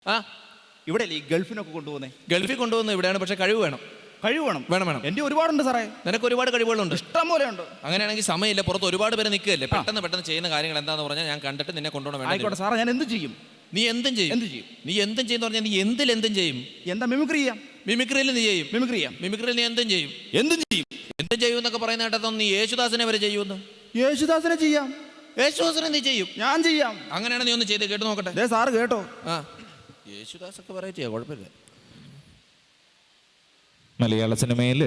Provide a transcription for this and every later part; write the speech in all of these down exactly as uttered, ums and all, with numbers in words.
ആ ഇവിടെ ഈ ഗൾഫിനൊക്കെ കൊണ്ടുപോകുന്നേ. ഗൾഫിൽ കൊണ്ടുപോകുന്നത് ഇവിടെയാണ്, പക്ഷെ കഴിവ് വേണം. കഴിവ് വേണം വേണം വേണം എൻ്റെ ഒരുപാടുണ്ട് സാറേ. നിനക്ക് ഒരുപാട് കഴിവുകളുണ്ട്, ഇഷ്ടം പോലെ ഉണ്ട്. അങ്ങനെയാണെങ്കിൽ സമയമില്ല, പുറത്ത് ഒരുപാട് പേര് നിൽക്കുകയല്ലേ, പെട്ടെന്ന് പെട്ടെന്ന് ചെയ്യുന്ന കാര്യങ്ങൾ എന്താന്ന് പറഞ്ഞാൽ ഞാൻ കണ്ടിട്ട് നിന്നെ കൊണ്ടുപോകണം. ആയിക്കോട്ടെ സാറേ, ഞാൻ എന്ത് ചെയ്യും? നീ എന്തും ചെയ്യും. എന്ത് ചെയ്യും? നീ എന്തും ചെയ്യുന്ന പറഞ്ഞാൽ നീ എന്തിൽ എന്തും ചെയ്യും. എന്താ മിമിക്രി ചെയ്യാം? മിമിക്രിയിൽ നീ ചെയ്യും. മിമിക്രി ചെയ്യാം. മിമിക്രിയിൽ നീ എന്തും ചെയ്യും. എന്തും ചെയ്യും. എന്തും ചെയ്യും എന്നൊക്കെ പറയുന്ന കേട്ടതൊന്നും നീ യേശുദാസിനെ വരെ ചെയ്യുമെന്ന്. യേശുദാസിനെ ചെയ്യാം. യേശുദാസിനെ നീ ചെയ്യും. ഞാൻ ചെയ്യാം. അങ്ങനെയാണ് നീ ഒന്ന് ചെയ്ത് കേട്ട് നോക്കട്ടെ. ദേ സാറ് കേട്ടോ. ആ യേശുദാസൊക്കെ വെറൈറ്റിയാ, കുഴപ്പമില്ല. മലയാള സിനിമയിൽ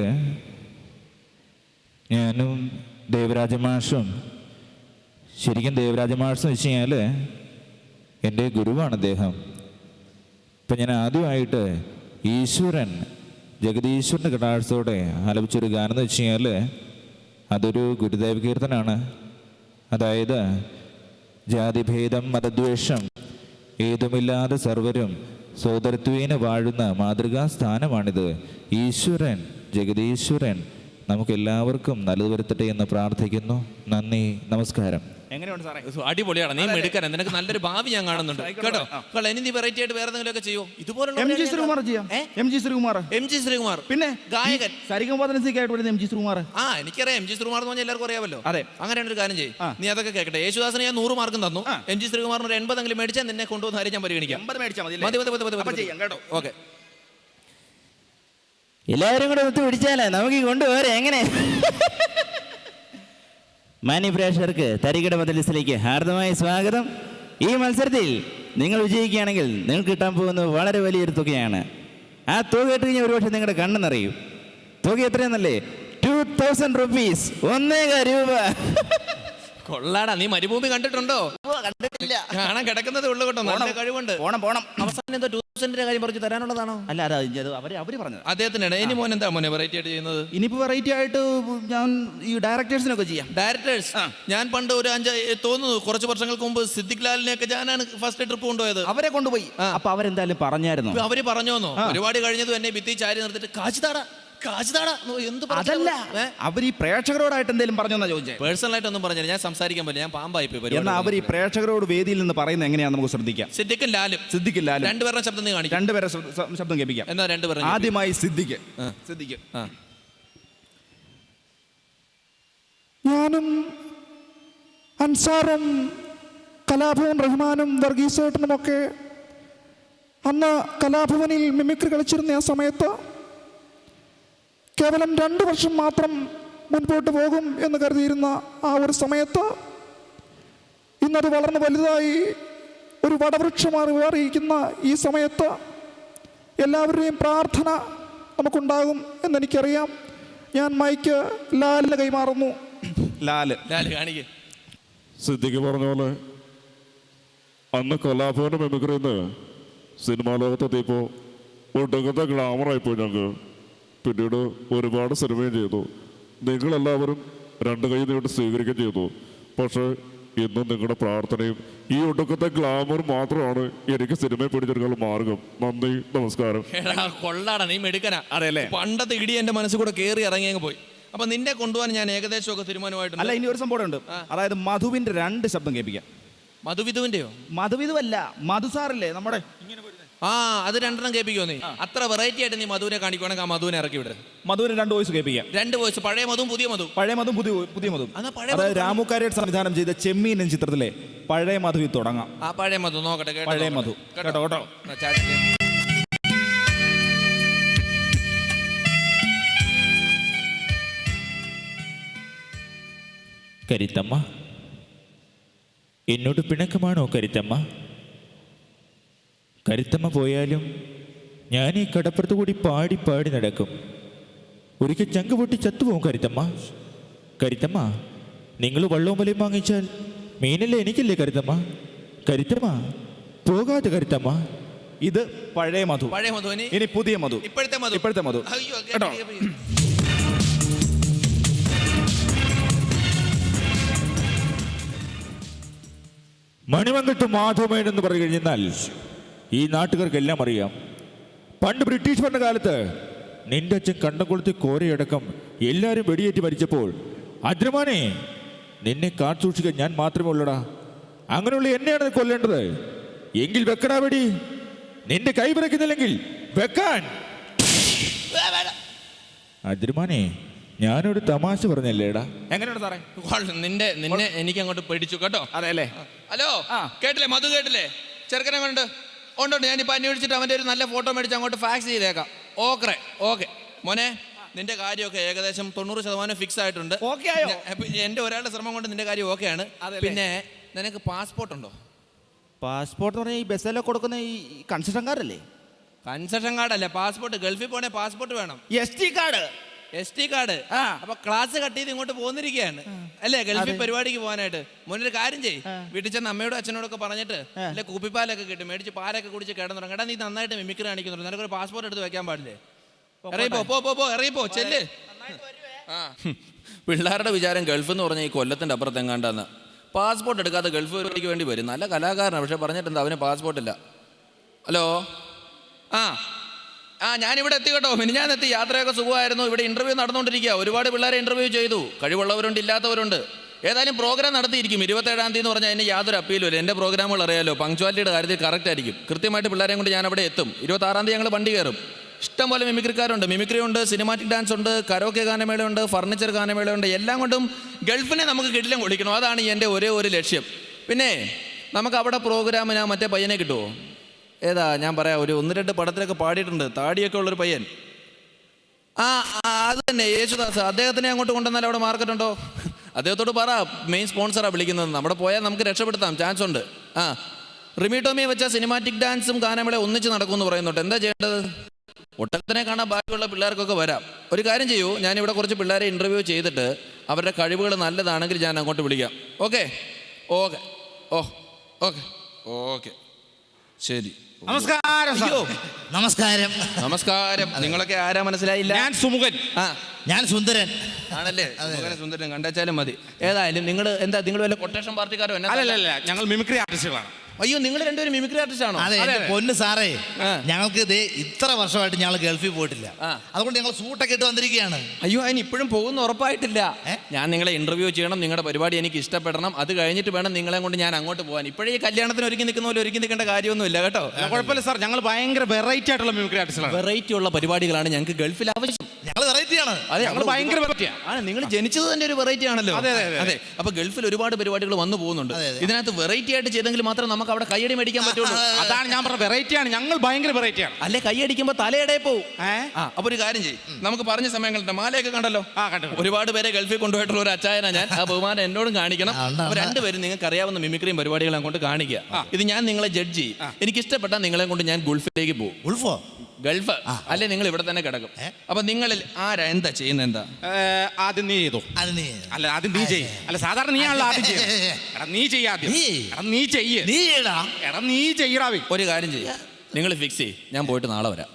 ഞാനും ദേവരാജ മാഷും, ശരിക്കും ദേവരാജ മാഷെന്ന് വെച്ച് കഴിഞ്ഞാൽ എൻ്റെ ഗുരുവാണ് അദ്ദേഹം. ഇപ്പം ഞാൻ ആദ്യമായിട്ട് ഈശ്വരൻ ജഗദീശ്വരൻ്റെ കടാക്ഷത്തോടെ ആലപിച്ചൊരു ഗാനം എന്ന് വെച്ച് കഴിഞ്ഞാൽ അതൊരു ഗുരുദേവ കീർത്തനാണ്. അതായത് ജാതിഭേദം മതദ്വേഷം ഏതുമില്ലാതെ സർവരും സോദരത്വേന വാഴുന്ന മാതൃകാ സ്ഥാനമാണിത്. ഈശ്വരൻ ജഗദീശ്വരൻ നമുക്കെല്ലാവർക്കും നല്ലത് വരുത്തട്ടെ എന്ന് പ്രാർത്ഥിക്കുന്നു. നന്ദി, നമസ്കാരം. എങ്ങനെയുണ്ട് സാറേ? അടിപൊളിയാണ്, നീ മെടുക്കാൻ, നിനക്ക് നല്ലൊരു ഭാവി ഞാൻ കാണുന്നുണ്ട് കേട്ടോ. ഇനി നീ വെറൈറ്റി ആയിട്ട് വേറെ എന്തെങ്കിലും ഒക്കെ ചെയ്യോ? ഇതുപോലുള്ള എം ജി ശ്രീകുമാർ ചെയ്യാം. M G Sreekumar M G Sreekumar പിന്നെ ഗായകൻ സരിഗമപദനിസയ്ക്കായിട്ട് വരുന്ന എം ജി ശ്രീകുമാർ. ആ എനിക്കറിയാം, എം ജി ശ്രീകുമാർ എന്ന് പറഞ്ഞാൽ എല്ലാവർക്കും അറിയാമല്ലോ. അതെ, അങ്ങനെയാണ് ഒരു കാര്യം ചെയ്യും. നീ അതൊക്കെ കേൾക്കട്ടെ. യേശുദാസിന് ഞാൻ നൂറ് മാർക്കും തന്നു, എം ജി ശ്രീകുമാറിന് ഒരു എൺപതെങ്കിലും മേടിച്ചാൽ നിന്നെ കൊണ്ടുവന്ന കാര്യം ഞാൻ പരിഗണിക്കാം. മതി മതി മതി ചെയ്യാം കേട്ടോ. ഓക്കെ, എല്ലാവരും കൂടെ ഒത്തു പിടിച്ചാലേ നമുക്ക് കൊണ്ടുപോരെ. എങ്ങനെ മാന്യ പ്രേക്ഷകർക്ക് തരികിട മജലിസിലേക്ക് ഹാർദമായ സ്വാഗതം. ഈ മത്സരത്തിൽ നിങ്ങൾ വിജയിക്കുകയാണെങ്കിൽ നിങ്ങൾക്ക് കിട്ടാൻ പോകുന്നത് വളരെ വലിയൊരു തുകയാണ്. ആ തുക ഇട്ട് കഴിഞ്ഞാൽ ഒരുപക്ഷെ നിങ്ങളുടെ കണ്ണെന്നറിയും. തുക എത്രയെന്നല്ലേ? ടു തൗസൻഡ് റുപ്പീസ്, ഒന്നേക രൂപ. കൊള്ളാടാ, നീ മരുഭൂമി കണ്ടിട്ടുണ്ടോ? കണ്ടിട്ടില്ല. കാണാൻ കിടക്കുന്നതേ ഉള്ളു കേട്ടോ, നല്ല കഴിവുണ്ട്. പോണം പോണം. അവസാനം എന്തോ ടൂ തൗസൻഡിന്റെ കാര്യം പറഞ്ഞു തരാനുള്ളതാണോ? അല്ല, അതാ അവര് അവര് പറഞ്ഞത്. അദ്ദേഹത്തിനാണ്. ഇനി മോൻ എന്താ മോനെ വെറൈറ്റി ആയിട്ട് ചെയ്യുന്നത്? ഇനിയിപ്പോ വെറൈറ്റി ആയിട്ട് ഞാൻ ഈ ഡയറക്ടേഴ്സിനൊക്കെ ചെയ്യാം. ഡയറക്ടേഴ്സ് ഞാൻ പണ്ട് ഒരു അഞ്ച് തോന്നുന്നു കുറച്ച് വർഷങ്ങൾക്ക് മുമ്പ് സിദ്ദിഖ് ലാലിനെയൊക്കെ ഞാനാണ് ഫസ്റ്റ് ട്രിപ്പ് കൊണ്ടുപോയത്. അവരെ കൊണ്ടുപോയി. അപ്പൊ അവരെന്തായാലും പറഞ്ഞായിരുന്നു. അവര് പറഞ്ഞോന്നോ? ഒരുപാട് കഴിഞ്ഞതും എന്നെ ഭിത്തി ചാരി നിർത്തിട്ട് കാച്ചിതാടാ അതല്ല, അവർ ഈ പ്രേക്ഷകരോടായിട്ട് എന്തെങ്കിലും പറഞ്ഞോന്നാ ചോദിച്ചേ? പേഴ്സണൽ ആയിട്ടൊന്നും പറഞ്ഞില്ല, ഞാൻ സംസാരിക്കാൻ പറ്റില്ല, ഞാൻ പാമ്പായി പോയി. എന്നാൽ അവർ ഈ പ്രേക്ഷകരോട് വേദിയിൽ നിന്ന് പറയുന്നത് എങ്ങനെയാണെന്ന് നമുക്ക് ശ്രദ്ധിക്കാം. സിദ്ദിഖും ലാലും സിദ്ദിഖും ലാലും രണ്ടുപേരുടെ ശബ്ദം നീ കാണിക്കും. രണ്ടുപേരെ ശബ്ദം കേൾപ്പിക്കാം. എന്നാ രണ്ടുപേരും ആദ്യമായി സിദ്ദിഖ്. സിദ്ദിഖ്. ഞാനും അൻസാറും കലാഭവൻ റഹ്മാനും വർഗീസേട്ടനുമൊക്കെ അന്ന് കലാഭവനിൽ മിമിക്രി കളിച്ചിരുന്ന ആ സമയത്ത് കേവലം രണ്ട് വർഷം മാത്രം മുൻപോട്ട് പോകും എന്ന് കരുതിയിരുന്ന ആ ഒരു സമയത്ത് ഇന്നത് വളർന്ന് വലുതായി ഒരു വടവൃക്ഷമായി മാറിയിരിക്കുന്ന ഈ സമയത്ത് എല്ലാവരുടെയും പ്രാർത്ഥന നമുക്കുണ്ടാകും എന്നെനിക്കറിയാം. ഞാൻ മൈക്ക് ലാലിന് കൈമാറുന്നു. ലാല് ലാല് കാണിക്കേ. സിദ്ദിഖ് പറഞ്ഞ പോലെ അന്ന് കലാഭവന്റെ മെമിക്രിന്ന് സിനിമാ ലോകത്തെത്തിയപ്പോൾ ഒടുങ്ങത്തെ ഗ്ലാമറായിപ്പോയി ഞങ്ങൾക്ക്. പിന്നീട് ഒരുപാട് സിനിമയും ചെയ്തു. നിങ്ങളെല്ലാവരും രണ്ട് കൈ നീട്ടി സ്വീകരിക്കുകയും ചെയ്തു. പക്ഷേ ഇന്നും നിങ്ങളുടെ പ്രാർത്ഥനയും ഈ ഒടുക്കത്തെ ഗ്ലാമർ മാത്രമാണ് എനിക്ക് സിനിമയെ പിടിച്ചെടുക്കാനുള്ള മാർഗം. നന്ദി, നമസ്കാരം. കൊള്ളാടാ, നീ മെടുക്കനാ. അതെല്ലേ? പണ്ടത്തെ ഇടി എന്റെ മനസ്സിൽ കൂടെ കയറി ഇറങ്ങി അങ്ങ് പോയി. അപ്പൊ നിന്നെ കൊണ്ടുപോകാൻ ഞാൻ ഏകദേശം ഒക്കെ തീരുമാനമായിട്ടുണ്ട്. അല്ല, ഇനി ഒരു സംഭവം ഉണ്ട്. അതായത് മധുവിന്റെ രണ്ട് ശബ്ദം കേൾപ്പിക്കാം. മധുവിധുവിന്റെയോ? മധുവിധുവല്ല, മധുസാറില്ലേ നമ്മുടെ. ആ അത് രണ്ടെണ്ണം കേൾപ്പിക്കോ നീ? അത്ര വെറൈറ്റി ആയിട്ട് നീ മധുവിനെ കാണിക്കുവാണെങ്കിൽ ആ മധുവിനെ ഇറക്കി വിടും. മധുവിന് രണ്ട് വോയിസ് കേൾപ്പിക്കാം. രണ്ട് വോയിസ്, പഴയ മധുവും പുതിയ മധു. പഴയ മധുവും പുതിയ പുതിയ മധു. അതായത് രാമുക്കാരിയുടെ സംവിധാനം ചെയ്ത ചെമ്മീൻ എന്ന ചിത്രത്തിലെ പഴയ മധുവിൽ തുടങ്ങാം. ആ പഴയ മധു നോക്കട്ടെ. പഴയ മധു കേട്ടോ കേട്ടോ. കരുത്തമ്മ, എന്നോട് പിണക്കമാണോ കരുത്തമ്മ? കരുത്തമ്മ പോയാലും ഞാൻ ഈ കടപ്പുറത്ത് കൂടി പാടി പാടി നടക്കും. ഒരിക്കൽ ചങ്ക് പൊട്ടി ചത്തുപോകും കരുത്തമ്മ. കരുത്തമ്മ, നിങ്ങൾ വള്ളവും വലയും വാങ്ങിച്ചാൽ മീനല്ലേ എനിക്കല്ലേ കരുത്തമ്മ? കരുത്തമ്മ പോകാതെ കരുത്തമ്മ. ഇത് പഴയ മധു. പഴയ മധു. ഇനി പുതിയ മധു. ഇപ്പോഴത്തെ മധു. ഇപ്പോഴത്തെ മധു കേട്ടോ. മണിമംഗലത്ത് മാധവമേൻ എന്ന് പറഞ്ഞു കഴിഞ്ഞാൽ ഈ നാട്ടുകാർക്കെല്ലാം അറിയാം. പണ്ട് ബ്രിട്ടീഷ് ഭരണകാലത്ത് നിന്റെ അച്ഛൻ കണ്ടംകൊളുത്തി കോരയടക്കം എല്ലാവരും വെടിയേറ്റ് മരിച്ചപ്പോൾ അദ്രമാനെ നിന്നെ കാത്തുസൂക്ഷിക്കാൻ ഞാൻ മാത്രമേ ഉള്ളടാ. അങ്ങനെയുള്ള എന്നെയാണ് കൊല്ലേണ്ടത്. എങ്കിൽ വെക്കടാ വെടി. നിന്റെ കൈ വിറയ്ക്കുന്നില്ലെങ്കിൽ വെക്കാൻ. അതിരുമാനെ ഞാനൊരു തമാശ പറഞ്ഞല്ലേടാ. എങ്ങനെയാണ് സാറേ? കൊള്ളാം. നിന്റെ നിന്നെ എനിക്ക് അങ്ങോട്ട് പിടിച്ചു കേട്ടോ. അതെ അല്ലേ? ഹലോ, കേട്ടില്ലേ? മധു കേട്ടില്ലേ? ചെറുക്കനെ കൊണ്ട് ഉണ്ടോണ്ട് ഞാനിപ്പോൾ അന്വേഷിച്ചിട്ട് അവൻ്റെ ഒരു നല്ല ഫോട്ടോ മേടിച്ച് അങ്ങോട്ട് ഫാക്സ് ചെയ്തേക്കാം. ഓക്കെ ഓക്കെ മോനെ, നിന്റെ കാര്യമൊക്കെ ഏകദേശം തൊണ്ണൂറ് ശതമാനം ഫിക്സ് ആയിട്ടുണ്ട്. ഓക്കെ ആയോ? എൻ്റെ ഒരാളുടെ ശ്രമം കൊണ്ട് നിന്റെ കാര്യം ഓക്കെയാണ്. പിന്നെ നിനക്ക് പാസ്പോർട്ട് ഉണ്ടോ? പാസ്പോർട്ട് പറഞ്ഞാൽ ഈ ബസ്സിലൊക്കെ കൊടുക്കുന്ന ഈ കൺസെഷൻകാരല്ലേ? Concession കാർഡല്ലേ passport. ഗൾഫിൽ പോണേ പാസ്പോർട്ട് വേണം. S T card. S T card. അപ്പൊ ക്ലാസ് കട്ട് ചെയ്ത് ഇങ്ങോട്ട് പോന്നിരിക്കുകയാണ് അല്ലേ ഗൾഫിൽ പരിപാടിക്ക് പോകാനായിട്ട്. മുന്നൊരു കാര്യം ചെയ്യ്, വീട്ടിൽ ചെന്ന് അമ്മയോടും അച്ഛനോടൊക്കെ പറഞ്ഞിട്ട് അല്ലെ കുപ്പിപ്പാലൊക്കെ കിട്ടും മേടിച്ച് പാലൊക്കെ കുടിച്ച് കിടന്നുറങ്ങും. എടാ നീ നന്നായിട്ട് മിമിക്രി കാണിക്കുന്നുണ്ട്, നിനക്കൊരു പാസ്പോർട്ട് എടുത്ത് വെക്കാൻ പാടില്ലേ? ഇറങ്ങിപ്പോ പോ പോ പോ ഇറങ്ങിപ്പോ ചെല്ല്. ആ പിള്ളേരുടെ വിചാരം ഗൾഫ് എന്ന് പറഞ്ഞാൽ ഈ കൊല്ലത്തിന്റെ അപ്പുറത്ത് എങ്ങാണ്ടാന്ന്. പാസ്പോർട്ട് എടുക്കാതെ ഗൾഫ് പരിപാടിക്ക് വേണ്ടി വരും. നല്ല കലാകാരനാണ്, പക്ഷെ പറഞ്ഞിട്ടുണ്ട് അവന് പാസ്പോർട്ട് ഇല്ല. ഹലോ, ആ ആ ഞാനിവിടെ എത്തി കേട്ടോ. മിനിഞ്ഞാൻ എത്തി. യാത്രയൊക്കെ സുഖമായിരുന്നു. ഇവിടെ ഇന്റർവ്യൂ നടന്നുകൊണ്ടിരിക്കുക. ഒരുപാട് പിള്ളേരെ ഇന്റർവ്യൂ ചെയ്തു. കഴിവുള്ളവരുണ്ട്, ഇല്ലാത്തവരുണ്ട്. ഏതായാലും പ്രോഗ്രാം നടത്തിയിരിക്കും. ഇരുപത്തേഴാം തീയതി എന്ന് പറഞ്ഞാൽ അതിന് യാതൊരു അപ്പീലും ഇല്ല. എൻ്റെ പ്രോഗ്രാമുകൾ അറിയാലോ, പങ്ക്ച്വാലിറ്റിയുടെ കാര്യത്തിൽ കറക്റ്റ് ആയിരിക്കും. കൃത്യമായിട്ട് പിള്ളേരെയും കൊണ്ട് ഞാൻ അവിടെ എത്തും. ഇരുപത്താറാം തീയതി ഞങ്ങൾ വണ്ടി കയറും. ഇഷ്ടം പോലെ മിമിക്രിക്കാരുണ്ട്. മിമിക്രി ഉണ്ട്, സിനിമാറ്റിക് ഡാൻസ് ഉണ്ട്, കരോക്കെ ഗാനമേളയുണ്ട്, ഫർണിച്ചർ ഗാനമേളയുണ്ട്. എല്ലാം കൊണ്ടും ഗൾഫിനെ നമുക്ക് കിടിലം കൊള്ളിക്കണം. അതാണ് എൻ്റെ ഒരേ ഒരു ലക്ഷ്യം. പിന്നെ നമുക്ക് അവിടെ പ്രോഗ്രാമിന് ആ മറ്റേ പയ്യനെ കിട്ടുമോ? ഏതാ ഞാൻ പറയാം, ഒരു ഒന്ന് രണ്ട് പടത്തിലൊക്കെ പാടിയിട്ടുണ്ട്, താടിയൊക്കെ ഉള്ളൊരു പയ്യൻ. ആ അത് തന്നെ, യേശുദാസ്. അദ്ദേഹത്തിനെ അങ്ങോട്ട് കൊണ്ടുവന്നാൽ അവിടെ മാർക്കറ്റ് ഉണ്ടോ? അദ്ദേഹത്തോട് പറ, മെയിൻ സ്പോൺസറാണ് വിളിക്കുന്നത്. നമ്മുടെ പോയാൽ നമുക്ക് രക്ഷപ്പെടുത്താം, ചാൻസ് ഉണ്ട്. ആ റിമി ടോമിയെ വെച്ചാൽ സിനിമാറ്റിക് ഡാൻസും ഗാനമേള ഒന്നിച്ച് നടക്കുമെന്ന് പറയുന്നുണ്ട്. എന്താ ചെയ്യേണ്ടത്? ഒട്ടത്തിനെ കാണാൻ ബാക്കിയുള്ള പിള്ളേർക്കൊക്കെ വരാം. ഒരു കാര്യം ചെയ്യൂ, ഞാനിവിടെ കുറച്ച് പിള്ളേരെ ഇൻ്റർവ്യൂ ചെയ്തിട്ട് അവരുടെ കഴിവുകൾ നല്ലതാണെങ്കിൽ ഞാൻ അങ്ങോട്ട് വിളിക്കാം. Okay okay oh okay okay ശരി. നമസ്കാരം. നമസ്കാരം. നമസ്കാരം. നിങ്ങളൊക്കെ ആരാ മനസ്സിലായില്ല? ഞാൻ സുമുഖൻ. ആ ഞാൻ സുന്ദരൻ. ആണല്ലേ? സുമുഖനെ സുന്ദരൻ കണ്ടാച്ചാലും മതി. ഏതായാലും നിങ്ങൾ എന്താ, നിങ്ങൾ വല്ല കൊട്ടേഷൻ പാർട്ടിക്കാരോ? അല്ലല്ല, ഞങ്ങൾ മിമിക്രി ആർട്ടിസ്റ്റുകളാണ്. അയ്യോ, നിങ്ങൾ രണ്ടുപേരും മിമിക്രി ആർട്ടിസ്റ്റ് ആണോ? അതെ, എന്റെ പൊന്ന് സാറേ, ഞങ്ങൾക്ക് ഇത് ഇത്ര വർഷമായിട്ട് ഞങ്ങൾ ഗൾഫിൽ പോയിട്ടില്ല. അതുകൊണ്ട് ഞങ്ങൾ സൂട്ടൊക്കെ ഇട്ട് വന്നിരിക്കുകയാണ്. അയ്യോ, അതിന് ഇപ്പോഴും പോകുന്ന ഉറപ്പായിട്ടില്ല. ഞാൻ നിങ്ങളെ ഇന്റർവ്യൂ ചെയ്യണം, നിങ്ങളുടെ പരിപാടി എനിക്ക് ഇഷ്ടപ്പെടണം. അത് കഴിഞ്ഞിട്ട് വേണം നിങ്ങളെ കൊണ്ട് ഞാൻ അങ്ങോട്ട് പോകാൻ. ഇപ്പോഴേ ഈ കല്യാണത്തിന് ഒരുക്കി നിൽക്കുന്ന പോലെ ഒരുക്കി നിൽക്കേണ്ട കാര്യമൊന്നുമില്ല കേട്ടോ. കുഴപ്പമില്ല സാർ, ഞങ്ങൾ ഭയങ്കര വെറൈറ്റി ആയിട്ടുള്ള മിമിക്രി ആർട്ടിസ്റ്റുകളാണ്. വെറൈറ്റി ഉള്ള പരിപാടികളാണ് ഞങ്ങൾക്ക് ഗൾഫിൽ ആവശ്യം. ഞങ്ങൾ വെറൈറ്റിയാണ്. അതെ, ഞങ്ങൾ ഭയങ്കര വെറൈറ്റിയാണ്. ആണ്, നിങ്ങൾ ജനിച്ചത് തന്നെ ഒരു വെറൈറ്റി ആണല്ലോ. അതെ അതെ. അപ്പൊ ഗൾഫിൽ ഒരുപാട് പരിപാടികൾ വന്നു പോകുന്നുണ്ട്. ഇതിനകത്ത് വെറൈറ്റി ആയിട്ട് ചെയ്തെങ്കിൽ മാത്രം നമുക്ക് അവിടെ കയ്യടി മേടിക്കാൻ പറ്റുള്ളൂ. അതാണ് ഞാൻ പറഞ്ഞ വെറൈറ്റിയാണ്. ഞങ്ങൾ ഭയങ്കര വെറൈറ്റിയാണ്. അല്ലെ, കൈയടിക്കുമ്പോ തലയുടെ പോവും. അപ്പൊ ഒരു കാര്യം ചെയ്യും, നമുക്ക് പറഞ്ഞ സമയങ്ങളുണ്ട്. മാലയൊക്കെ കണ്ടല്ലോ. ഒരുപാട് പേരെ ഗൾഫിൽ കൊണ്ടുപോയിട്ടുള്ള ഒരു അച്ചായന ഞാൻ. ആ ബഹുമാനം എന്നോടും കാണിക്കണം. അപ്പൊ രണ്ടുപേരും നിങ്ങൾക്ക് അറിയാവുന്ന മിമിക്രിയും പരിപാടികളും അങ്ങോട്ട് കാണിക്കുക. ഇത് ഞാൻ നിങ്ങളെ ജഡ്ജ് ചെയ്യും. എനിക്ക് ഇഷ്ടപ്പെട്ട നിങ്ങളെ കൊണ്ട് ഞാൻ ഗൾഫിലേക്ക് പോകും. ഉൾഫോ ഗൾഫ് അല്ലെ, നിങ്ങൾ ഇവിടെ തന്നെ കിടക്കും. അപ്പൊ നിങ്ങളിൽ ആരാ എന്താ ചെയ്യുന്നത്? എന്താ ആദ്യം നീ ചെയ്തോ? അല്ല, ആദ്യം നീ ചെയ്യ. അല്ല, സാധാരണ നീ ആണല്ലോ ആദ്യം ചെയ്യ. എടാ നീ ചെയ്യാദ്യം. നീ ചെയ്യ. നീ ചെയ്യടാ. എടാ നീ ചെയ്യടാ. ഒരു കാര്യം ചെയ്യ, നിങ്ങൾ ഫിക്സ് ചെയ്യ്, ഞാൻ പോയിട്ട് നാളെ വരാം.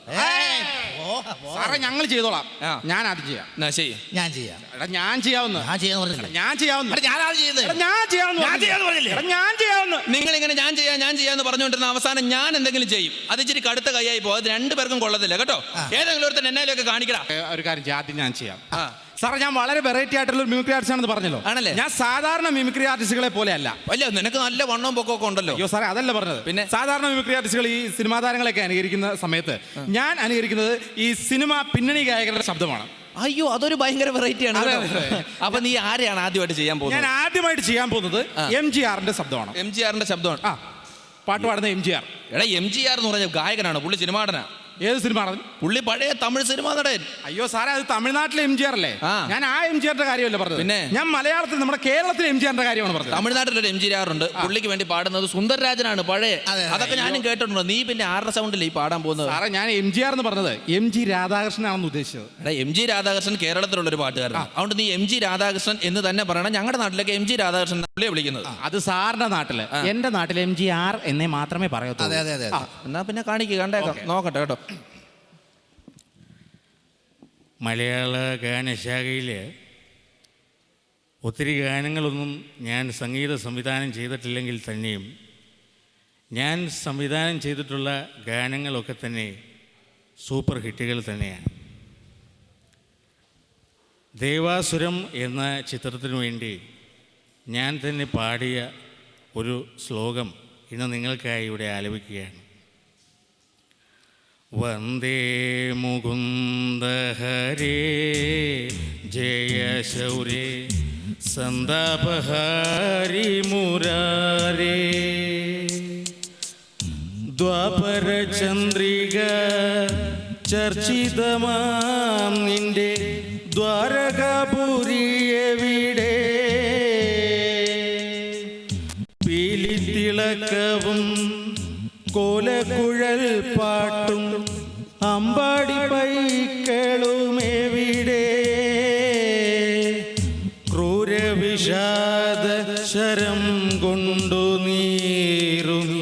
സാറേ, ഞങ്ങൾ ചെയ്തോളാം. ഞാൻ ആദ്യം ചെയ്യാം. എന്നാ ശരി, ഞാൻ ചെയ്യാം. എടാ ഞാൻ ചെയ്യാവുന്ന ഞാൻ ചെയ്യാവുന്ന ഞാൻ ചെയ്യാവുന്ന ഞാൻ ചെയ്യാവുന്ന നിങ്ങൾ ഇങ്ങനെ ഞാൻ ചെയ്യാം ഞാൻ ചെയ്യാന്ന് പറഞ്ഞുകൊണ്ടിരുന്ന അവസാനം ഞാൻ എന്തെങ്കിലും ചെയ്യും. അത് ഇച്ചിരി കടുത്ത കൈയായി പോകും. അത് രണ്ടുപേർക്കും കൊള്ളത്തില്ല കേട്ടോ. ഏതെങ്കിലും ഒരുത്തൻ എന്നാലും കാണിക്കടാ. ഒരു കാര്യം ചെയ്യാം, ആദ്യം ഞാൻ ചെയ്യാം. സാറേ, ഞാൻ വളരെ വെറൈറ്റി ആയിട്ടുള്ള ഒരു മിമിക്രി ആർട്ടിസ്റ്റ് ആണെന്ന് പറഞ്ഞല്ലോ. ആണല്ലേ? ഞാൻ സാധാരണ മിമിക്രി ആർട്ടിസ്റ്റുകളെ പോലെ അല്ല. അല്ല, നിനക്ക് നല്ല വണ്ണവും പൊക്കമൊക്കെ ഉണ്ടല്ലോ. അയ്യോ സാറേ, അതല്ല പറഞ്ഞത്. പിന്നെ സാധാരണ മിമിക്രി ആർട്ടിസ്റ്റുകൾ ഈ സിനിമാ താരങ്ങളെയൊക്കെ അനുകരിക്കുന്ന സമയത്ത് ഞാൻ അനുകരിക്കുന്നത് ഈ സിനിമ പിന്നണി ഗായകരുടെ ശബ്ദമാണ്. അയ്യോ, അതൊരു ഭയങ്കര വെറൈറ്റി ആണ്. അപ്പൊ നീ ആരെയാണ് ആദ്യമായിട്ട് ചെയ്യാൻ പോകുന്നത്? ഞാൻ ആദ്യമായിട്ട് ചെയ്യാൻ പോകുന്നത് എം ജി ആറിന്റെ ശബ്ദമാണ്. എം ജി ആറിന്റെ ശബ്ദമാണ്. ആ പാട്ട് പാടുന്ന എം ജി ആർ. എടാ, എം ജി ആർ എന്ന് പറഞ്ഞ ഗായകനാണ്, പുള്ളി സിനിമാടനാ. ഏത് സിനിമ? പുള്ളി പഴയ തമിഴ് സിനിമാ നടൻ. അയ്യോ സാറേ, അത് തമിഴ്നാട്ടിലെ എം ജി ആർ അല്ലേ? ഞാൻ ആ എം ജി ആറിന്റെ കാര്യമല്ല പറഞ്ഞത്. പിന്നെ ഞാൻ മലയാളത്തിൽ നമ്മുടെ കേരളത്തിലെ എം ജി ആറിന്റെ കാര്യമാണ് പറഞ്ഞത്. തമിഴ്നാട്ടിലൊരു എം ജി ആർ ഉണ്ട്, പുള്ളിക്ക് വേണ്ടി പാടുന്നത് സുന്ദരരാജനാണ് പഴയ. അതൊക്കെ ഞാനും കേട്ടിട്ടുണ്ട്. നീ പിന്നെ ആരുടെ സൗണ്ടിൽ ഈ പാടാൻ പോകുന്നത്? സാറേ, ഞാൻ എം ജി ആർ എന്ന് പറഞ്ഞത് എം ജി രാധാകൃഷ്ണനാണെന്ന് ഉദ്ദേശിച്ചത്. എടാ, എം ജി രാധാകൃഷ്ണൻ കേരളത്തിലുള്ള ഒരു പാട്ടുകാരനാണ്. അതുകൊണ്ട് നീ എം ജി രാധാകൃഷ്ണൻ എന്ന് തന്നെ പറയണം. ഞങ്ങളുടെ നാട്ടിലൊക്കെ എം ജി രാധാകൃഷ്ണൻ പുള്ളിയെ വിളിക്കുന്നത്. അത് സാറിന്റെ നാട്ടില്. എന്റെ നാട്ടിൽ എം ജി ആർ എന്നേ മാത്രമേ പറയത്തുള്ളൂ. എന്നാ പിന്നെ കാണിക്കുക, കണ്ടേക്കാം, നോക്കട്ടെ കേട്ടോ. മലയാള ഗാനശാഖയിൽ ഒത്തിരി ഗാനങ്ങളൊന്നും ഞാൻ സംഗീത സംവിധാനം ചെയ്തിട്ടില്ലെങ്കിൽ തന്നെയും ഞാൻ സംവിധാനം ചെയ്തിട്ടുള്ള ഗാനങ്ങളൊക്കെ തന്നെ സൂപ്പർ ഹിറ്റുകൾ തന്നെയാണ്. ദേവാസുരം എന്ന ചിത്രത്തിനു വേണ്ടി ഞാൻ തന്നെ പാടിയ ഒരു ശ്ലോകം ഇന്ന് നിങ്ങൾക്കായി ഇവിടെ ആലപിക്കുകയാണ്. വന്ദേ മുകുന്ദ ഹരേ ജയ ശൗരേ സന്താപഹാരി മുരാരേ ദ്വാപര ചന്ദ്രിക ചർച്ചിതമാം നിന്റെ ദ്വാരകാപുരിയെവിടെ പീലിത്തിളക്കവും കോലക്കുഴൽ പാട്ടും അമ്പാടി പൈക്കളുമെവിടെ ക്രൂരവിഷാദ ശരം കൊണ്ടു നീറുമി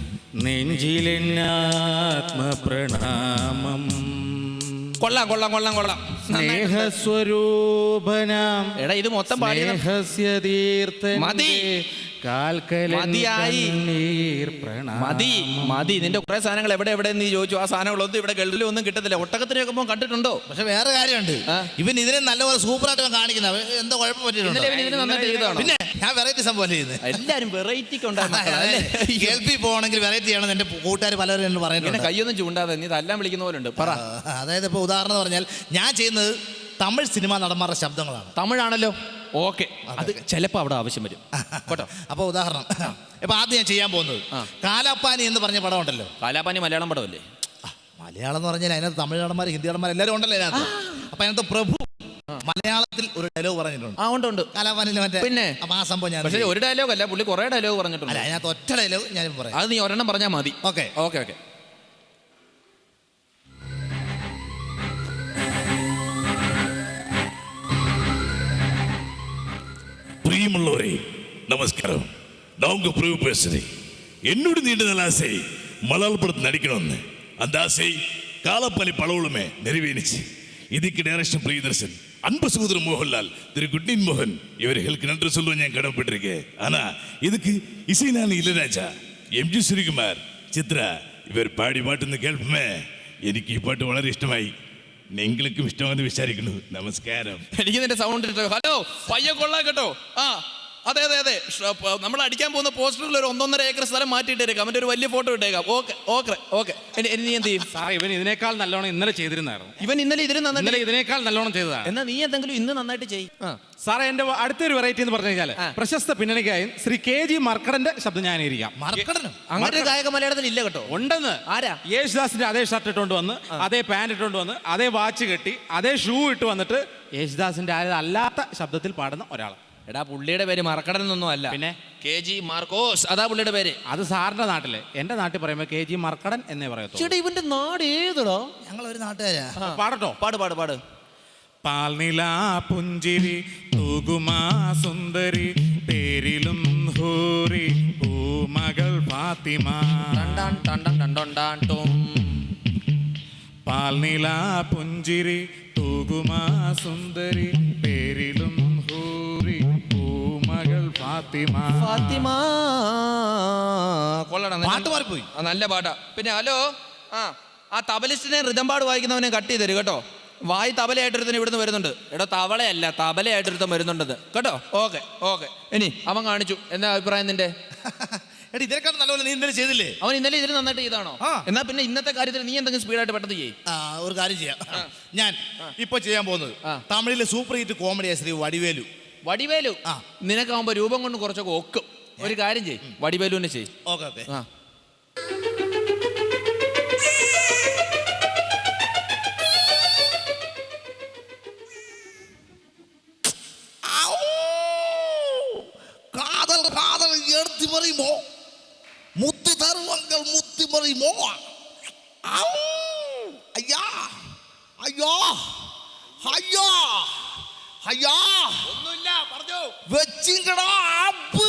നെഞ്ചിലെന്നാത്മപ്രണാമം. കൊള്ളാം കൊള്ളാം കൊള്ളാം കൊള്ളാം. സ്നേഹസ്വരൂപനാം എടാ ഇത് മൊത്തം പാടി സ്നേഹസ്യ തീർത്ഥൻ മതി. കാൽക്കലി മതി മതി. നിന്റെ കുറെ സാധനങ്ങൾ എവിടെ എവിടെ നീ ചോദിച്ചു. ആ സാധനങ്ങളൊന്നും ഇവിടെ ഗൾഫിലും ഒന്നും കിട്ടത്തില്ല. ഒട്ടകത്തിനൊക്കെ പോകുമ്പോൾ കണ്ടിട്ടുണ്ടോ? പക്ഷെ വേറെ കാര്യമുണ്ട്, ഇവൻ ഇതിനെ നല്ലപോലെ സൂപ്പറായിട്ട് കാണിക്കുന്നത്. എന്താ കുഴപ്പം പറ്റിയിട്ടുണ്ടോ? പിന്നെ ഞാൻ വെറൈറ്റി സംഭവം ചെയ്യുന്നത്. എല്ലാരും വെറൈറ്റി കേൾപ്പി പോകണമെങ്കിൽ വെറൈറ്റി ചെയ്യണം. എന്റെ കൂട്ടുകാർ പലരും എന്ന് പറയുന്നത്. കയ്യൊന്നും ചൂണ്ടാതെ നീ തല്ലാൻ വിളിക്കുന്ന പോലെ ഉണ്ട്. പറ. അതായത് ഇപ്പൊ ഉദാഹരണം പറഞ്ഞാൽ ഞാൻ ചെയ്യുന്നത് തമിഴ് സിനിമാ നടന്മാരുടെ ശബ്ദങ്ങളാണ്. തമിഴാണല്ലോ, ഓക്കെ. അത് ചിലപ്പോ അവിടെ ആവശ്യം വരും കേട്ടോ. അപ്പൊ ഉദാഹരണം ഇപ്പൊ ആദ്യം ഞാൻ ചെയ്യാൻ പോകുന്നത് കാലാപ്പാനി എന്ന് പറഞ്ഞ പടം ഉണ്ടല്ലോ. കാലാപ്പാനി മലയാളം പടമല്ലേ? മലയാളം എന്ന് പറഞ്ഞാൽ അതിനകത്ത് തമിഴ് നടന്മാർ, ഹിന്ദി നടന്മാർ എല്ലാവരും ഉണ്ടല്ലോ അതിനകത്ത്. അപ്പൊ അതിനകത്ത് പ്രഭു മലയാളത്തിൽ ഒരു ഡയലോഗ് പറഞ്ഞിട്ടുണ്ട്. ആ ഉണ്ട് ഉണ്ട് കാലാപ്പാനിൽ മറ്റേ. പിന്നെ അപ്പൊ ആ സംഭവം ഞാൻ പക്ഷേ ഒരു ഡയലോഗ് അല്ല, പുള്ളി കുറെ ഡയലോഗ് പറഞ്ഞിട്ടുണ്ട്. അല്ല, അതിനകത്ത് ഒറ്റ ഡയലോഗ് ഞാൻ പറയാം. അത് നീ ഒരെണ്ണം പറഞ്ഞാൽ മതി. Okay okay okay. பிரியமுள்ளவரே நமஸ்காரம். நான் உங்க பிரபு பேசுறேன். என்னோட நீண்ட நாள் ஆசை மலையாள படத்தில் நடிக்கணும்னு. அந்த ஆசை காலப்பாலி பலவுளுமே நிறைவேறிச்சு. இதுக்கு டைரக்ஷன் பிரியதர்சன், அன்பு சகோதரர் மோகன்லால், திரு குட்னின் மோகன் இவர்களுக்கு நன்றி சொல்லுவேன். ഞാൻ கடமைப்பட்டிருக்கேன். ஆனா இதுக்கு இசை நான் இளையராஜா, എം ജി ശ്രീകുമാർ, ചിത്ര ഇവർ പാടി പാട്ടെന്ന് കേൾപ്പമേ എനിക്ക് ഈ പാട്ട് വളരെ ഇഷ്ടമായി. നിങ്ങൾക്കും ഇഷ്ടമാണെന്ന് വിചാരിക്കുന്നു. നമസ്കാരം. എനിക്ക് നിന്റെ സൗണ്ട് ഇട്ടോ. ഹലോ പയ്യ കൊള്ളാം കേട്ടോ. ആ അതെ അതെ അതെ. നമ്മൾ അടിക്കാൻ പോകുന്ന പോസ്റ്ററിൽ ഒരു ഒന്നൊന്നര ഏക്കർ സ്ഥലം മാറ്റിയിട്ടേക്കാം. അവൻ്റെ ഒരു വലിയ ഫോട്ടോ ഇട്ടേക്കാം. Okay okay okay. നീ എന്ത് ചെയ്യും? സാറേ ഇവൻ ഇതിനേക്കാൾ നല്ലോണം ഇന്നലെ ചെയ്തിരുന്നായിരുന്നു. ഇവൻ ഇന്നലെ ഇതിന് നന്നായിട്ട് ഇതിനേക്കാൾ നല്ലോണം ചെയ്തതാണ്. എന്നാ നീ എന്തെങ്കിലും ഇന്ന് നന്നായിട്ട് ചെയ്യും. സാറേ എന്റെ അടുത്തൊരു വെറൈറ്റി എന്ന് പറഞ്ഞു കഴിഞ്ഞാൽ പ്രശസ്ത പിന്നണിക്കായി ശ്രീ കെ ജി മർക്കടന്റെ ശബ്ദം ഞാൻ ഇരിക്കാം. മർക്കടനും അങ്ങനെ ഒരു ഗായക മലയാളത്തിൽ ഇല്ല കേട്ടോ. ഉണ്ടെന്ന്. ആരാ? യേശുദാസിന്റെ അതേ ഷർട്ട് ഇട്ടുകൊണ്ട് വന്ന്, അതേ പാന്റ് ഇട്ടുകൊണ്ട് വന്ന്, അതേ വാച്ച് കെട്ടി, അതേ ഷൂ ഇട്ട് വന്നിട്ട് യേശുദാസിന്റെ അല്ലാത്ത ശബ്ദത്തിൽ പാടുന്ന ഒരാൾ. എടാ പുള്ളിയുടെ പേര് മറക്കടൻ എന്നൊന്നും അല്ല, പിന്നെ കെ ജി മാർക്കോസ്, അതാ പുള്ളിയുടെ പേര്. അത് സാറിന്റെ നാട്ടിലെ. എന്റെ നാട്ടിൽ പറയുമ്പോ കെ ജി മർക്കടൻ എന്നേ പറയത്തു. ചേട്ടാ ഇവന്റെ നാട് ഏതോ? ഞങ്ങൾ ഒരു നാട്ടുകാരാ. പാടട്ടോ? പാട് പാട് പാട്. പാൽനില പുഞ്ചിരി തൂകുമാ സുന്ദരി പേരിലും ഹൂറി പൂമകൾ ഫാത്തിമ. പാൽനില പുഞ്ചിരി തൂകുമാ സുന്ദരി പേരിലും ഹൂറി പൂമകൾ ഫാത്തിമ. ഫാത്തിമ കൊള്ളണം. പാട്ട് മാറിപ്പോയി. നല്ല പാട്ടാ. പിന്നെ ഹലോ ആ ആ തബലിസ്റ്റിനെ റിതം പാട് വായിക്കുന്നവനെ കട്ട് ചെയ്ത് തരും കേട്ടോ. വായി തബലയായിട്ടൊരുത്തൻ ഇവിടുന്ന് വരുന്നുണ്ട്. എടോ തവളയല്ല തബലയായിട്ടൊരുത്തൻ വരുന്നുണ്ടെന്ന് കേട്ടോ. Okay okay. ഇനി അവൻ കാണിച്ചു. എന്താ അഭിപ്രായം നിന്റെ? എടാ ഇതിനേക്കാൾ നല്ലപോലെ നീ ഇന്നലെ ചെയ്തില്ലേ? അവൻ ഇന്നലെ ഇതിന് നന്നായിട്ട് ചെയ്താണോ? എന്നാ പിന്നെ ഇന്നത്തെ കാര്യത്തിൽ നീ എന്തെങ്കിലും സ്പീഡായിട്ട് പെട്ടെന്ന് ചെയ്യും. ഒരു കാര്യം ചെയ്യാം. ഞാൻ ഇപ്പൊ ചെയ്യാൻ പോകുന്നത് തമിഴിലെ സൂപ്പർ ഹിറ്റ് കോമഡിയാ ശ്രീ വടിവേലു. വടിവേലു നിനക്കാവുമ്പോ രൂപം കൊണ്ട് കുറച്ചൊക്കെ ഒക്കും. ഒരു കാര്യം ചെയ്യും, വടിവേലുവിനെ ചെയ്യും. Okay okay. ആ காதல் காதல் எடுத்து மறிமோ முத்து தருவங்கள் முத்து மறிமோ. ஐயா ஐயா ஐயா ஐயா ഒന്നുമില്ല പറഞ്ഞോ. വെച്ചിങ്ങടാ അപ്പ്.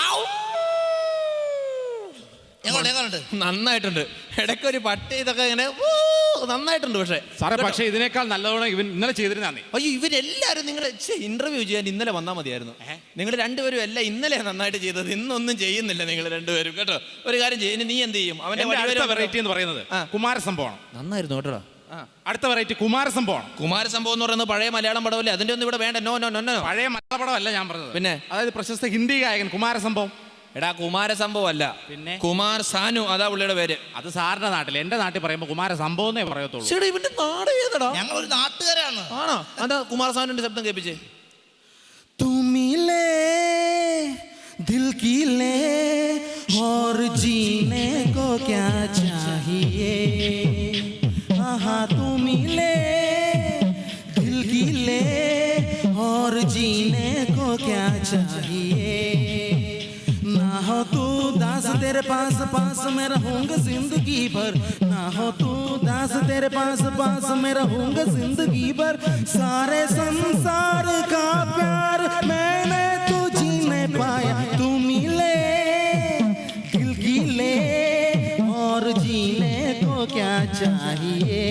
എങ്ങോട്ട് നന്നായിട്ടുണ്ട്. ഇടയ്ക്കൊരു പട്ടി ഇതൊക്കെ ഇങ്ങനെ നന്നായിട്ടുണ്ട്. പക്ഷേ സാറേ പക്ഷേ ഇതിനേക്കാൾ നല്ലവണ്ണം ഇവൻ ഇന്നലെ ചെയ്തിരുന്നേ. അയ്യോ ഇവരെല്ലാരും നിങ്ങളുടെ ഇന്റർവ്യൂ ചെയ്യാൻ ഇന്നലെ വന്നാൽ മതിയായിരുന്നു. നിങ്ങൾ രണ്ടുപേരും എല്ലാം ഇന്നലെ നന്നായിട്ട് ചെയ്തത്, ഇന്നൊന്നും ചെയ്യുന്നില്ല നിങ്ങൾ രണ്ടുപേരും കേട്ടോ. ഒരു കാര്യം ചെയ്യും, നീ എന്ത് ചെയ്യും? അവന്റെ വെറൈറ്റി എന്ന് പറയുന്നത് കുമാരസംഭവമാണ്. നന്നായിരുന്നു കേട്ടോ. അടുത്ത വെറൈറ്റി കുമാരസംഭവമാണ്. കുമാരസംഭവം എന്ന് പറയുന്നത് പഴയ മലയാളം പടമല്ലേ? അതിന്റെ ഒന്നും ഇവിടെ വേണ്ട. No no no no. പഴയ മലയാള പടമല്ല ഞാൻ പറഞ്ഞത്. പിന്നെ അതായത് പ്രശസ്ത ഹിന്ദി ഗായകൻ കുമാരസംഭവം. എടാ കുമാര സംഭവം അല്ല, പിന്നെ? കുമാർ സാനു, അതാ പുള്ളിയുടെ പേര്. അത് സാറിന്റെ നാട്ടിൽ, എന്റെ നാട്ടിൽ പറയുമ്പോ കുമാര സംഭവം എന്നേ പറയത്തുള്ളൂ. ചേട്ടാ ഇവന്റെ നാട് ഏതടാ? ഞങ്ങൾ ഒരു നാട്ടുകാരാണ്. ആണോ? അതാ കുമാർ സാനുവിന്റെ ശബ്ദം കേൾപ്പിച്ചേ. तुमिले दिल की ले और जीने को क्या चाहिए, हाँ तुमिले दिल की ले और जीने को क्या चाहिए, ना हो तू दास तेरे पास पास मैं रहूंगा जिंदगी भर, ना हो तू दास तेरे पास पास मैं रहूंगा जिंदगी भर, सारे संसार का प्यार मैंने तो जी नहीं पाया, तू मिले दिल की ले और जीने को क्या चाहिए.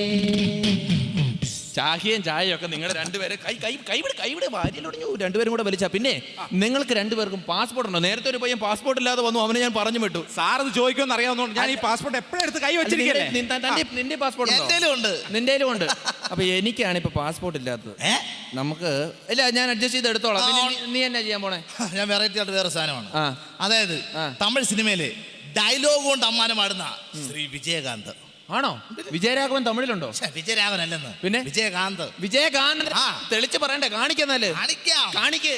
ചാഹിയും ചായയും ഒക്കെ നിങ്ങൾ രണ്ടുപേരെ കൈ കൈ കൈവിടെ കൈവിടെ വാരിയിലൊടിഞ്ഞു രണ്ടുപേരും കൂടെ വലിച്ച. പിന്നെ നിങ്ങൾക്ക് രണ്ടുപേർക്കും പാസ്പോർട്ട് ഉണ്ടോ? നേരത്തെ ഒരു പയ്യൻ പാസ്പോർട്ട് ഇല്ലാതെ വന്നു, അവനെ ഞാൻ പറഞ്ഞു വിട്ടു. സാർ ഇത് ചോദിക്കുമെന്ന് അറിയാവുന്നതുകൊണ്ട് ഞാൻ ഈ പാസ്പോർട്ട് എപ്പോഴും എടുത്ത് കൈ വെച്ചിരിക്കല്ലേ. നിന്റെ പാസ്പോർട്ട് എന്റേലും ഉണ്ട്. നിന്റെ ഉണ്ട്. അപ്പൊ എനിക്കാണ് ഇപ്പൊ പാസ്പോർട്ട് ഇല്ലാത്തത്. നമുക്ക് ഇല്ല, ഞാൻ അഡ്ജസ്റ്റ് ചെയ്ത് എടുത്തോളാം. പിന്നെ നീ- നീ എന്നാ ചെയ്യാൻ പോണേ? ഞാൻ വെറൈറ്റി ആയിട്ട് വേറെ സാധനമാണ്. ആ. അതായത് തമിഴ് സിനിമയിലെ ഡയലോഗ് കൊണ്ട് അമ്മാനം പാടുന്ന ശ്രീ വിജയകാന്ത്. ആണോ? വിജയരാഘവൻ തമിഴിലുണ്ടോ? ഛെ, വിജയരാഘവൻ അല്ലെന്ന്, പിന്നെ വിജയകാന്ത്. വിജയകാന്ത്. ആ. തെളിച്ച് പറയണ്ടേ? കാണിക്കുന്നാല് കാണിക്കാം. കാണിക്ക്.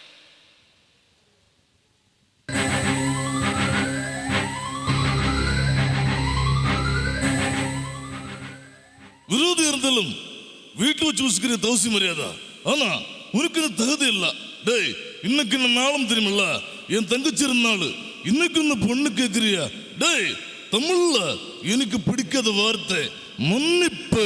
விரோதி இருந்தாலும் வீட்டு வச்சு வச்சுக்கிற தவசி மரியாதை. ஆனா உனக்கு தகுதி இல்ல. டேய் இன்னைக்கு இந்த நாளும் தெரியுமில்ல, என் தங்கச்சி இருந்தாள். இன்னைக்கு இந்த பொண்ணு கேட்கிறியா? டேய் தமிழ்ல எனக்கு பிடிக்காத வார்த்தை മന്നിപ്പ്.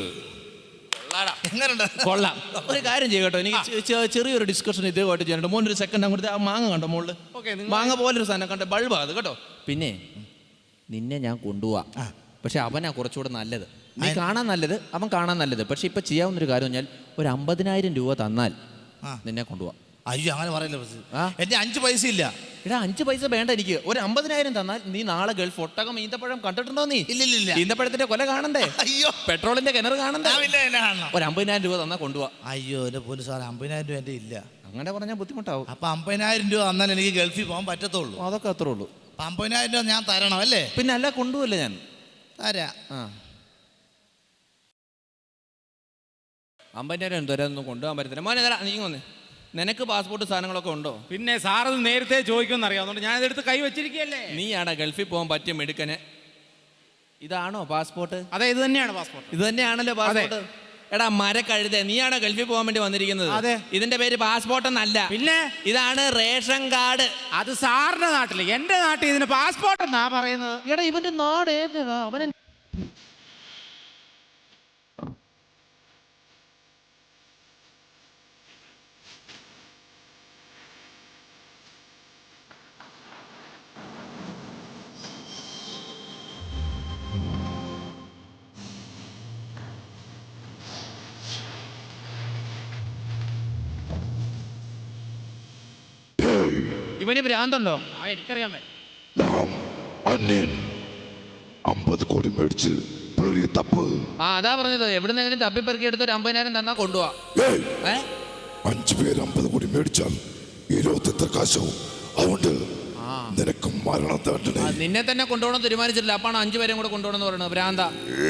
കൊള്ളാം. ഒരു കാര്യം ചെയ്യട്ടോ, എനിക്ക് ചെ- ചെ- ചെറിയൊരു ഡിസ്കഷൻ ഇതേമായിട്ട് ചെയ്യാനുണ്ട്. മോൻ ഒരു സെക്കൻഡ് അങ്ങോട്ട് ആ മാങ്ങ കണ്ടോ മോളില്? മാങ്ങ പോലൊരു സാധനം കണ്ട ബൾബാ അത് കേട്ടോ. പിന്നെ നിന്നെ ഞാൻ കൊണ്ടുപോവാ, പക്ഷെ അവനാ കുറച്ചുകൂടെ നല്ലത്. നീ കാണാൻ നല്ലത്, അവൻ കാണാൻ നല്ലത്. പക്ഷെ ഇപ്പൊ ചെയ്യാവുന്നൊരു കാര്യം പറഞ്ഞാൽ ഒരു അമ്പതിനായിരം രൂപ തന്നാൽ നിന്നെ കൊണ്ടുപോവാ. അയ്യോ അങ്ങനെ പറയല്ലോ, ആ? എന്റെ അഞ്ച് പൈസ ഇല്ല. എടാ അഞ്ച് പൈസ വേണ്ട എനിക്ക്. ഒരു അമ്പതിനായിരം തന്നാൽ നീ നാളെ ഗൾഫ് ഒട്ടകം ഈന്തപ്പഴം കണ്ടിട്ടുണ്ടോ? നീ ഇല്ലില്ല. ഈന്തപ്പഴത്തിന്റെ കൊല കാണണ്ടേ? അയ്യോ, പെട്രോളിന്റെ കിണർ കാണണ്ടേ? ആ, പിന്നെ എന്നെ കാണണം. ഒരു അമ്പതിനായിരം രൂപ തന്നാ കൊണ്ടുപോവാ. അയ്യോ എന്റെ പോലും സാർ, അമ്പതിനായിരം രൂപ എന്റെ ഇല്ല. അങ്ങനെ പറഞ്ഞാൽ ബുദ്ധിമുട്ടാവും. അപ്പൊ അമ്പതിനായിരം രൂപ തന്നാൽ എനിക്ക് ഗൾഫിൽ പോകാൻ പറ്റത്തുള്ളൂ. അതൊക്കെ അത്രേ ഉള്ളൂ. അപ്പൊ അമ്പതിനായിരം രൂപ ഞാൻ തരണം അല്ലേ? പിന്നെ അല്ല കൊണ്ടുപോയില്ല ഞാൻ തരാ. ആ അമ്പതിനായിരം തരാനൊന്നും കൊണ്ടുപോകാൻ പറ്റത്തില്ല. മോനെ തരാ, നീ വന്നേ. നിനക്ക് പാസ്പോർട്ട് സാധനങ്ങളൊക്കെ ഉണ്ടോ? പിന്നെ സാർ ഇത് നേരത്തെ ചോദിക്കുമെന്ന് അറിയാവുന്നതുകൊണ്ട് ഞാൻ ഇതെടുത്ത് കൈ വെച്ചിരിക്കല്ലേ. നീയാടാ ഗൾഫിൽ പോകാൻ പറ്റിയ മിടുക്കന്. ഇതാണോ പാസ്പോർട്ട്? അതെ, ഇത് തന്നെയാണ് പാസ്പോർട്ട്. ഇത് തന്നെയാണല്ലോ പാസ്പോർട്ട്. എടാ മരക്കഴുത, നീയാണോ ഗൾഫിൽ പോകാൻ വേണ്ടി വന്നിരിക്കുന്നത്? അതെ. ഇതിന്റെ പേര് പാസ്പോർട്ട് എന്നല്ല, പിന്നെ ഇതാണ് റേഷൻ കാർഡ്. അത് സാറിന്റെ നാട്ടില്, എന്റെ നാട്ടിൽ ഇതിന് പാസ്പോർട്ട് എന്നാ പറയുന്നത്. എടാ ഇവന്റെ നാട് ഏതാ? അവനെ ഇവന് ഭ്രാന്തല്ലോ. എനിക്കറിയാൻ അമ്പത് കോടി മേടിച്ച് തപ്പ്. ആ അതാ പറഞ്ഞത്, എവിടുന്നെങ്കിലും തപ്പിപ്പെറുക്കി എടുത്ത് ഒരു അമ്പതിനായിരം തന്നാ കൊണ്ടുപോവാ. ഏ അഞ്ചു പേര് അമ്പത് കോടി മേടിച്ചാൽ ഇരുപത്തി എത്ര കാശവും. അതുകൊണ്ട് നിനക്ക് മരണം തണ്ടണേ. നിന്നെ തന്നെ കൊണ്ടുപോകണം തീരുമാനിച്ചിട്ടില്ല, അപ്പാണ് അഞ്ചു പേരെയും കൂടെ കൊണ്ടുപോകണം എന്ന് പറയുന്നത്. ഭ്രാന്ത.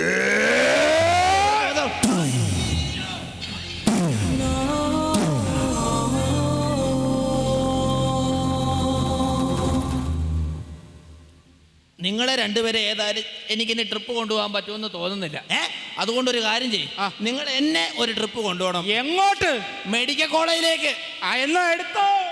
നിങ്ങളെ രണ്ടുപേരെ ഏതായാലും എനിക്കിനി ട്രിപ്പ് കൊണ്ടുപോകാൻ പറ്റുമെന്ന് തോന്നുന്നില്ല. അതുകൊണ്ടൊരു കാര്യം ചെയ്യും, നിങ്ങൾ എന്നെ ഒരു ട്രിപ്പ് കൊണ്ടുപോകണം. എങ്ങോട്ട്? മെഡിക്കൽ കോളേജിലേക്ക്. ആ എന്നാ എടുത്തോ.